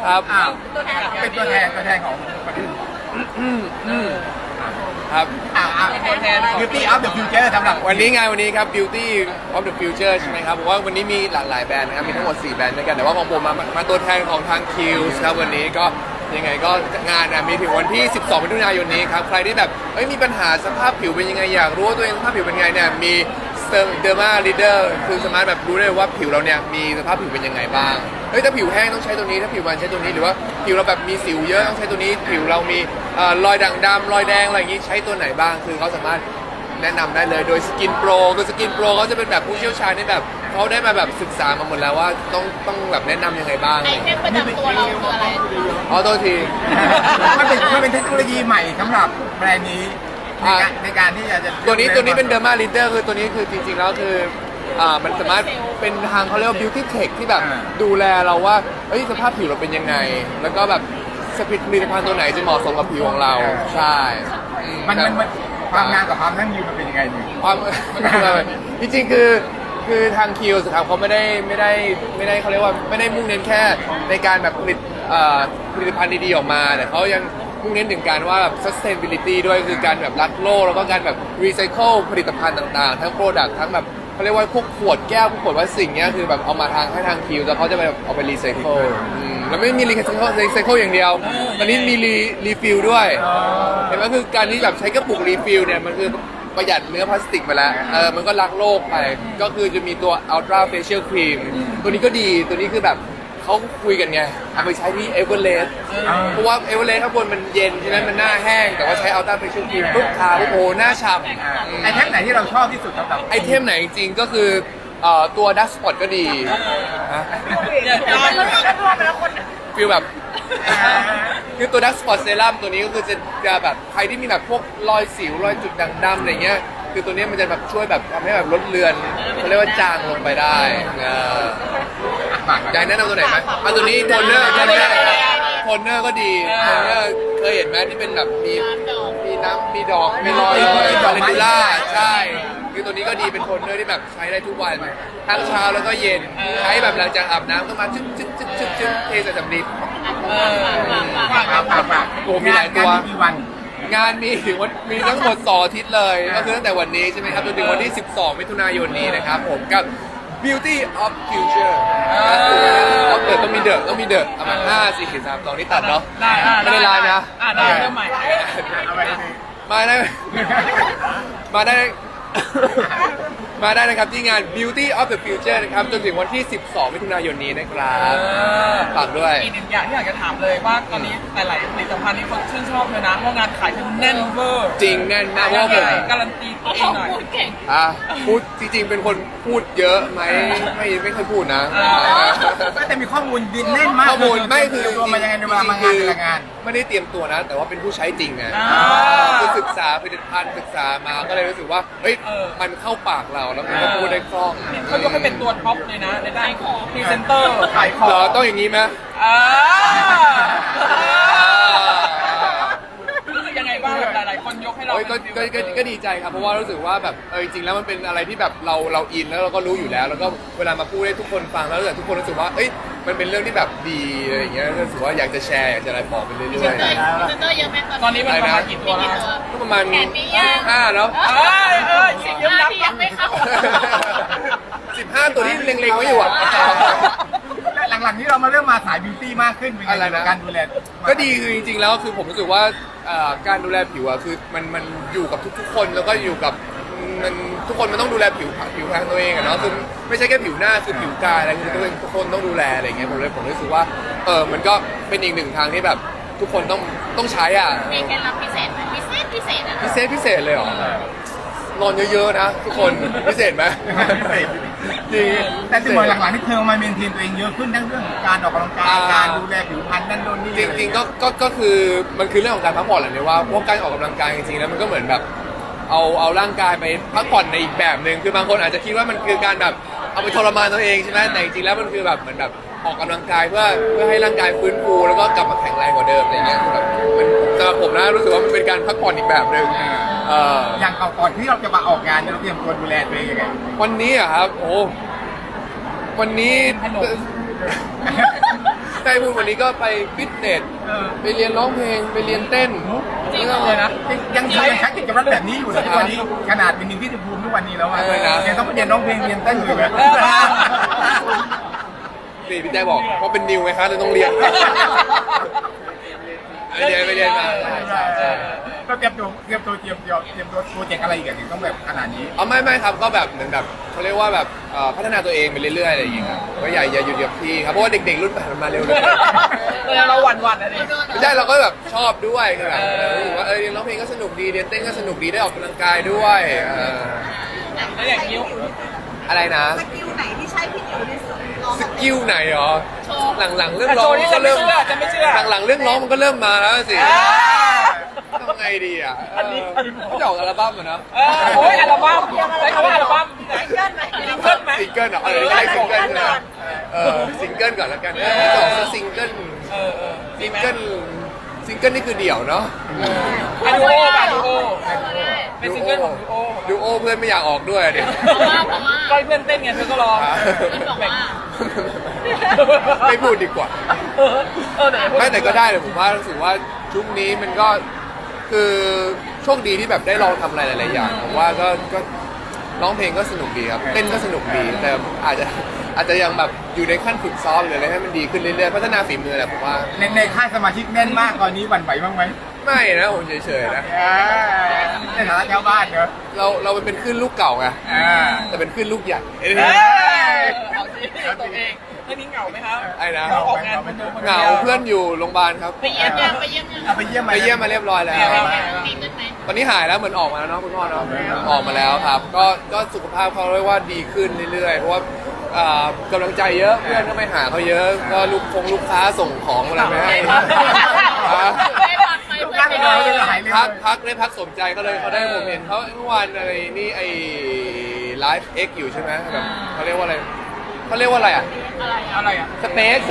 ครับเป็นตัวแทนของครับตัวแทน Beauty of the Future สำหรับวันนี้ครับ Beauty of the Future ใช่ไหมครับผมว่าวันนี้มีหลากหลายแบรนด์นะครับมีทั้งหมด4แบรนด์ด้วยกันแต่ว่าของผมมาตัวแทนของทาง Kiehl's ครับวันนี้ก็ยังไงก็งานมีถึงวันที่12มิถุนายนนี้ครับใครที่แบบมีปัญหาสภาพผิวเป็นยังไงอยากรู้ว่าตัวเองสภาพผิวเป็นยังไงเนี่ยมีDerma Leader คือสามารถแบบรู้ได้ว่าผิวเราเนี่ยมีสภาพผิวเป็นยังไงบ้างถ้าผิวแห้งต้องใช้ตัวนี้ถ้าผิวมันใช้ตัวนี้หรือว่าผิวเราแบบมีสิวเยอะต้องใช้ตัวนี้ผิวเรามีรอยด่างดำรอยแดงอะไรอย่างนี้ใช้ตัวไหนบ้างคือเขาสามารถแนะนำได้เลยโดย Skin Pro คือ Skin Pro เขาจะเป็นแบบผู้เชี่ยวชาญที่แบบเขาได้มาแบบศึกษามาหมดแล้วว่าต้องแบบแนะนำยังไงบ้างไอเทมประจำตัวเราคืออะไรตัวทีมันเป็นเทคโนโลยีใหม่สำหรับแบรนด์นี้ในการที่จะตัวนี้เป็น Derma Leader คือตัวนี้คือจริงๆแล้วคือมันสามารถเป็นทางเขาเรียกว่า beauty tech ที่แบบดูแลเราว่าสภาพผิวเราเป็นยังไงแล้วก็แบบผลิตภัณฑ์ตัวไหนจะเหมาะสมกับผิวของเราใช่มันความงานกับความยั่งยืนมันเป็นยังไงนี่ความจริงๆคือทาง Kiehl's ครับเขาไม่ได้เขาเรียกว่าไม่ได้มุ่งเน้นแค่ในการแบบผลิตภัณฑ์ดีๆออกมาแต่เขายังมุ่งเน้นถึงการว่าแบบ sustainability ด้วยคือการแบบรักโลกแล้วก็การแบบ recycle ผลิตภัณฑ์ต่างๆทั้ง product ทั้งแบบเขาเรียกว่าพวกขวดแก้วพวกขวดพลาสติกเนี้ยคือแบบเอามาให้ทางคิวแล้วเขาจะไปเอาไป recycle แล้วไม่มี recycle อย่างเดียวตอนนี้มี refill ด้วยเห็นไหมคือการที่แบบใช้กระปุก refill เนี่ยมันคือประหยัดเนื้อพลาสติกไปแล้วมันก็รักโลกไปก็คือจะมีตัว ultra facial cream ตัวนี้ก็ดีตัวนี้คือแบบเขาคุยกันไงเอาไปใช้ที่เอเวอเรสต์เพราะว่าเอเวอเรสต์ข้างบนมันเย็นฉะนั้นมันหน้าแห้งแต่ว่าใช้อัลต้าเฟเชียลครีมปุ๊บทาปุ๊บโอ้หน้าฉ่ำไอเทมไหนที่เราชอบที่สุดครับไอเทมไหนจริงก็คือตัวดัสสปอตก็ดีฟีลแบบคือตัวดัสสปอตเซรั่มตัวนี้ก็คือจะแบบใครที่มีแบบพวกรอยสิวรอยจุดด่างดำอะไรเงี้ยคือตัวนี้มันจะแบบช่วยแบบทำให้แบบลดเลือนเขาเรียกว่าจางลงไปได้อยากแนะนำตัวไหนไหมตัวนี้โทนเนอร์ก็ดีโทนเนอร์เคยเห็นไหมที่เป็นแบบมีน้ำมีดอกมีรอยดอกเลนล่าใช่คือตัวนี้ก็ดีเป็นโทนเนอร์ที่แบบใช้ได้ทุกวันทั้งเช้าแล้วก็เย็นใช้แบบหลังจากอาบน้ำก็มาจึ๊กเทใส่สำลีโอ้มีหลายตัวงานมีทั้งหมด2 อาทิตย์เลยก็คือตั้งแต่วันนี้ใช่ไหมครับจนถึงวันที่12มิถุนายนนี้นะครับผมกับ Beauty of Future ต้องมีเดอะเอามา5 4 3 2นี่ตัดเนาะไม่ได้ไลน์นะได้เริ่มใหม่มาได้นะครับที่งาน Beauty of the Future นะครับจนถึงวันที่12มิถุนายนนี้นะครับฝากด้วยอีกหนึ่งอย่างที่อยากจะถามเลยว่าตอนนี้หลายๆผลิตภัณฑ์นี้คนชื่นชอบเลยนะเพราะงานขายคือแน่นเวอร์จริงแน่นมากเพราะผมการันตีตัวเองหน่อยพูดจริงๆเป็นคนพูดเยอะไหมไม่เคยพูดนะแต่มีข้อมูลดินแน่นมากข้อมูลไม่คือรวมมายังไงในเวลามางานไม่ได้เตรียมตัวนะแต่ว่าเป็นผู้ใช้จริงไงคือศึกษาผลิตภัณฑ์ศึกษามาก็เลยรู้สึกว่ามันเข้าปากเราแล้วมันก็พูดได้คล่องเขายกให้เป็นตัวท็อปเลยนะในด้านพรีเซนเตอร์ขายของต้องอย่างนี้ไหมยังไงบ้างแบบหลายๆคนยกให้เราก็ดีใจครับเพราะว่ารู้สึกว่าแบบจริงๆแล้วมันเป็นอะไรที่แบบเราอินแล้วเราก็รู้อยู่แล้วแล้วก็เวลามาพูดให้ทุกคนฟังแล้วทุกคนรู้สึกว่ามันเป็นเรื่องที่แบบดีอะไรอย่างเงี้ยรู้สึกว่าอยากจะแชร์อยากจะอะไรบอกไปเรื่อยๆพรีเซนเตอร์เยอะไหมตอนนี้มันประมาณกี่ตัวแล้วก็ประมาณ15แล้วยังไม่เข้า 15ตัวที่เล็งๆไว้อยู่หลังๆนี้เรามาเริ่มมาสายบิวตี้มากขึ้นเป็นไงการดูแลก็ดีคือจริงๆแล้วคือผมรู้สึกว่าการดูแลผิวคือมันอยู่กับทุกๆคนแล้วก็อยู่กับทุกคนมันต้องดูแลผิวทางตัวเองอะเนาะคือไม่ใช่แค่ผิวหน้าคือผิวกายอะไรคือทุกคนต้องดูแลอะไรเงี้ยผมรู้สึกว่ามันก็เป็นอีกหนึ่งทางที่แบบทุกคนต้องใช้มีเคล็ดลับพิเศษไหมพิเศษเลยเหรอ นอนเยอะๆนะทุกคนพิเศษไหมจริงแต่ที่บอกหลังๆนี่เธอมาเมนเทนตัวเองเยอะขึ้นทั้งเรื่องการออกกำลังกายการดูแลผิวพรรณนั่นโน่นนี่จริงๆก็คือมันคือเรื่องของการพักผ่อนแหละเนี่ยว่าพวกการออกกำลังกายจริงๆแล้วมันก็เหมือนแบบเอาร่างกายไปพักผ่อนในอีกแบบหนึ่งคือบางคนอาจจะคิดว่ามันคือการแบบเอาไปทรมานตัวเองใช่ไหมแต่จริงๆแล้วมันคือแบบเหมือนแบบออกกำลังกายเพื่อให้ร่างกายฟื้นฟูแล้วก็กลับมาแข็งแรงกว่าเดิมอะไรเงี้ยแบบมันสำหรับผมนะรู้สึกว่ามันเป็นการพักผ่อนอีกแบบหนึ่งอย่างก่อนที่เราจะมาออกงานเราเตรียมตัวดูแลตัวเองยังไงวันนี้อะครับโอ้วันนี้ใกล้พูดวันนี้ก็ไปฟิตเนสไปเรียนร้องเพลงไปเรียนเต้นจริงเลยนะยังใช้กิจวัตรแบบนี้อยู่นะทุกวันนี้ขนาดเป็นนิวที่ภูมิทุกวันนี้แล้วอ่ะยังต้องไปเรียนร้องเพลงเรียนเต้นอยู่เลยนี่พี่แจ๊คบอกเพราะเป็นนิวไงคะเลยต้องเรียนไปเรียนมาก็เตรียมตัวโปรเจกต์อะไรอีกอย่างต้องแบบขนาดนี้อ๋อไม่ครับก็แบบเหมือนแบบเขาเรียกว่าแบบพัฒนาตัวเองไปเรื่อยๆอะไรอย่างเงี้ยครับก็อย่าหยุดกับที่ครับเพราะว่าเด็กๆรุ่นใหม่มันมาเร็วเลยเราหวั่นอะดิไม่ใช่เราก็แบบชอบด้วยคือแบบรู้สึกว่าเรียนร้องเพลงก็สนุกดีเรียนเต้นก็สนุกดีได้ออกกำลังกายด้วยแล้วอย่างนิ้วอะไรนะสกิลไหนที่ใช้พี่นิวที่สุดลองสกิลไหนหรอหลังๆเรื่องแต่ร้โชองว์นี่ก็จะไม่เริ่มเชื่อจะไม่เชื่อหลังๆเรื่องร้องมันก็เริ่มมาแล้วสิทำไงดีอ่ะก็จะออกอัลบั้มอะเนาะโอ้ยอัลบั้มใช้คำว่าอัลบั้มซิงเกิลไหมซิงเกิลไหมซิงเกิลเหรออะไรได้ซิงเกิลใช่ไหมซิงเกิลก่อนแล้วกันสองซิงเกิลซิงเกิลนี่คือเดี่ยวเนาะอะดูโอป่ะดูโอเป็นซิงเกิลของดูโอดูโอเพื่อนไม่อยากออกด้วยเดี๋ยวเพราะว่าก็เพื่อนเต้นไงเธอก็ร้องบอกว่าไม่พูดดีกว่า ไม่แต่ก็ได้เลยผมว่ารู้สึกว่าช่วงนี้มันก็คือโชคดีที่แบบได้ลองทำอะไรหลายๆอย่างผมว่าก็ร้องเพลงก็สนุกดีครับเต้นก็สนุกดีแต่อาจจะยังแบบอยู่ในขั้นฝึกซ้อมหรืออะไรให้มันดีขึ้นเรื่อยๆพัฒนาฝีมือแหละผมว่าในค่ายสมาชิกแน่นมากตอนนี้หวั่นไหวบ้างไหมไม่นะผมเฉยๆนะในฐานะชาวบ้านเนอะเราเป็นขึ้นลูกเก่าไงอ่าแต่เป็นขึ้นลูกใหญ่เอาสิตัวเองเรื่องนี้เหงาไหมครับไอ้นะเราออกงานคนเดียวเหงาเพื่อนอยู่โรงพยาบาลครับไปเยี่ยมยังไปเยี่ยมยังเอาไปเยี่ยมไปเยี่ยมมาเรียบร้อยแล้วดีขึ้นไหมตอนนี้หายแล้วเหมือนออกมาแล้วเนาะคุณพ่อเนาะออกมาแล้วครับก็สุขภาพเขาเรียกว่าดีขึ้นเรื่อยๆเพราะว่ากำลังใจเยอะเพื่อนก็ไม่หาเขาเยอะก็ลูกค้าส่งของอะไรไปให้ไม่พักไม่ทุกครั้งเราเลยหายเร็วพักสมใจเขาเลยเขาได้ผมเห็นเขาเมื่อวานอะไรนี่ไอ้ไลฟ์เอ็กอยู่ใช่ไหมแบบเขาเรียกว่าอะไรอ่ะอะไรอ่ะสเปซ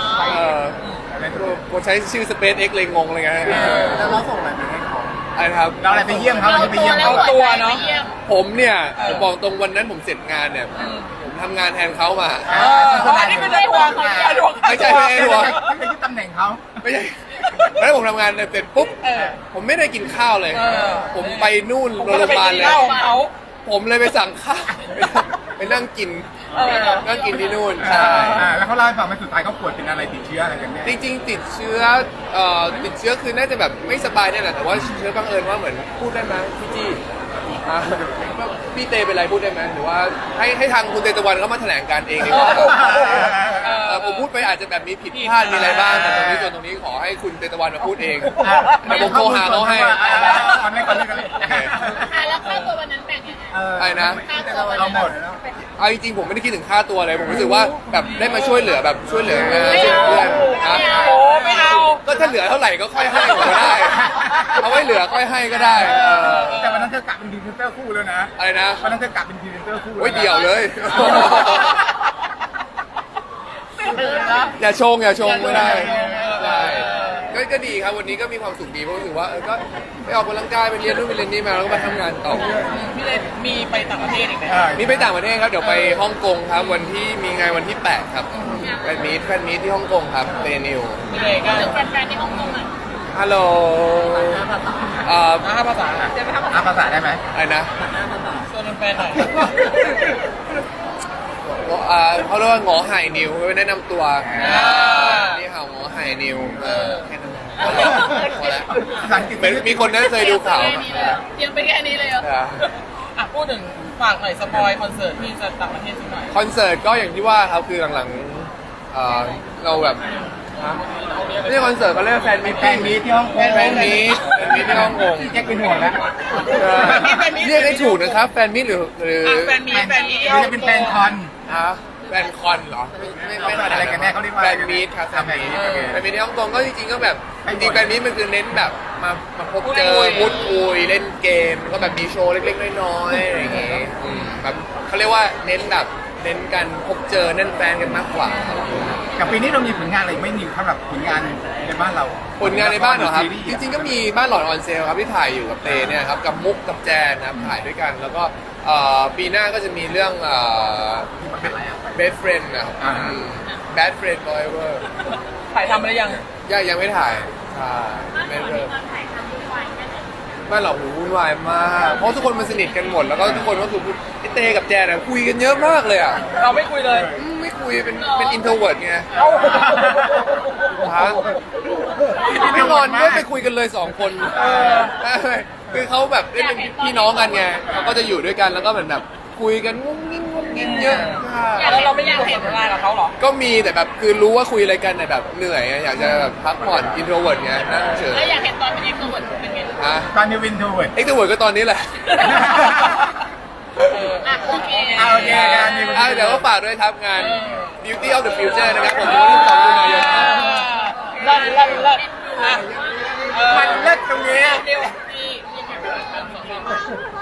ผมใช้ชื่อสเปซเอ็กเลยงงเลยไงแล้วเราส่งอะไรไปให้เขาอะไรครับเราอะไรไปเยี่ยมเขาไปเยี่ยมเขาผมเนี่ยผมบอกตรงวันนั้นผมเสร็จงานเนี่ยผมทำงานแทนเขามาอันนี้เป็นดวงไม่ใช่ไม่ใช่ไม่ยึดตำแหน่งเขาไม่ใช่แล้วผมทำงานเสร็จปุ๊บผมไม่ได้กินข้าวเลย ผมไปนู่นโรงพยาบาลเลยเขาผมเลยไปสั่งข้าวไปนั่งกินที่นู่นใช่แล้วเขาเล่าให้ฟังว่าสุดท้ายเขาป่วยเป็นอะไรติดเชื้ออะไรกันแน่จริงๆติดเชื้อคือน่าจะแบบไม่สบายเนี่ยแหละแต่ว่าเชื้อบังเอิญว่าเหมือนพูดได้ไหมพี่จี้พี่เตเป็นไรพูดได้ไหมหรือว่าให้ทางคุณเตตะวันเขามาแถลงการเองดีกว่าผมพูดไปอาจจะแบบมีผิดพลาดมีอะไรบ้างแต่ตรงนี้ขอให้คุณเตตะวันมาพูดเองแต่ผมโทรหาเขาให้ก่อนเลยแล้วค่าตัววันนั้นแบ่งยังไงอะไรนะค่าตัววันเรานั้นหมดเอาจริงๆผมไม่ได้คิดถึงค่าตัวเลยผมรู้สึกว่าแบบได้มาช่วยเหลืองานไม่ช่วยเหลือเอาเพื่อนโอ้ไม่เอาก็ถ้าเหลือเท่าไหร่ก็ค่อยให้ก็ได้เอาไว้เหลือค่อยให้ก็ได้แต่วันนั้นเธอกลับเป็นพรีเซนเตอร์คู่แล้วนะอะไรนะวันนั้นเธอกลับเป็นพรีเซนเตอร์คู่โอ้ยเดี่ยวเลย อย่าชงไม่ได้ก็ดีครับวันนี้ก็มีความสุขดีเพราะรู้สึกว่าก็ไปออกกำลังกายไปเรียนนู่นไปเรียนนี่มาแล้วก็มาทำงานต่อพี่เลนมีไปต่างประเทศอีกไหมมีไปต่างประเทศครับเดี๋ยวไปฮ่องกงครับวันที่มีงานวันที่ 8 ครับแฟนมีตที่ฮ่องกงครับเตนิวพี่เลนก็ถึงแฟนๆที่ฮ่องกงอ่ะฮัลโหล 5 ภาษาภาษาได้ไหมอะไรนะชวนแฟนหน่อยเขาเรียกว่าหงอไห่นิวไปแนะนำตัวนี่ค่ะหงอไห่นิวแค่นั้นพอแล้วภาษาอังกฤษมีคนนั้นเคยดูข่าวเตรียมไปแค่นี้เลยเหรอพูดถึงฝากหน่อยสปอยคอนเสิร์ตที่จะต่างประเทศสักหน่อยคอนเสิร์ตก็อย่างที่ว่าครับคือหลังเราแบบไม่ใช่คอนเสิร์ตเขาเรียกว่าแฟนมีแฟนมีที่ฮ่องกงแฟนมีที่ฮ่องกงแจ็คเป็นห่วงแล้วเรียกได้ถูกนะครับแฟนมิตหรือแฟนมีหรือจะเป็นแฟนคอนแฟนคอนเหรอไม่ขนาดอะไรกันแน่เขาเรียกว่าแฟนมีตครับแฟนมีตที่ฮ่องกงก็จริงๆก็แบบจริงๆแฟนมีตมันคือเน้นแบบมาพบเจอพูดคุยเล่นเกมก็แบบมีโชว์เล็กๆน้อยๆอะไรอย่างเงี้ยแบบเขาเรียกว่าเน้นแบบเน้นกันพบเจอเน้นแฟนกันมากกว่าแกับปีนี้เรามีผลงานอะไรไม่มีสำหรับผลงานในบ้านเราผลงานในบ้านเหรอครับซีส์จริงๆก็มีบ้านหลอนออนเซลครับที่ถ่ายอยู่กับเตเนี่ยครับกับมุกกับแจนนะครับถ่ายด้วยกัน แล้วก็ปีหน้าก็จะมีเรื่องBest Friend นะครับ Bad Friend Forever ถ่ายทำอะไรยังยังไม่ถ่ายใช่ไม่เริ่มบ้านเราโหวุ่นวายมากเพราะทุกคนมันสนิทกันหมดแล้วก็ทุกคนก็คือไอ้เตกับแจนอะคุยกันเยอะมากเลยอ่ะเราไม่คุยเลยไม่คุยเป็นอินโทรเวิร์ดไงเอ้าฮะไม่นอนก็ไปคุยกันเลย2 คนคือเขาแบบเล่นเป็นพี่น้องกันไงเขาก็จะอยู่ด้วยกันแล้วก็เหมือนแบบคุยกันงุ้งงิ้งงุ้งงิ้งเยอะมากแล้วเราไม่มีบทสนทนากับเขาเหรอก็มีแต่แบบคือรู้ว่าคุยอะไรกันแต่แบบเหนื่อยไงอยากจะแบบพักผ่อนอินโทรเวิร์ดไงนั่งเฉยแล้วอยากเห็นตอนเป็นเอ็กซ์โทรเวิร์ดเป็นไงฮะตอนนี้วินทูเวิร์ดเอ็กโทรเวิร์ดก็ตอนนี้แหละอ่ะโอเคโอเคงานนี้เดี๋ยวก็ฝากด้วยครับงาน Beauty of the Future นะครับผมวันที่2 กันยายนเลิศเลิศเลิศอ่ะมันเลิศตรงนี้เดี๋ยวพี่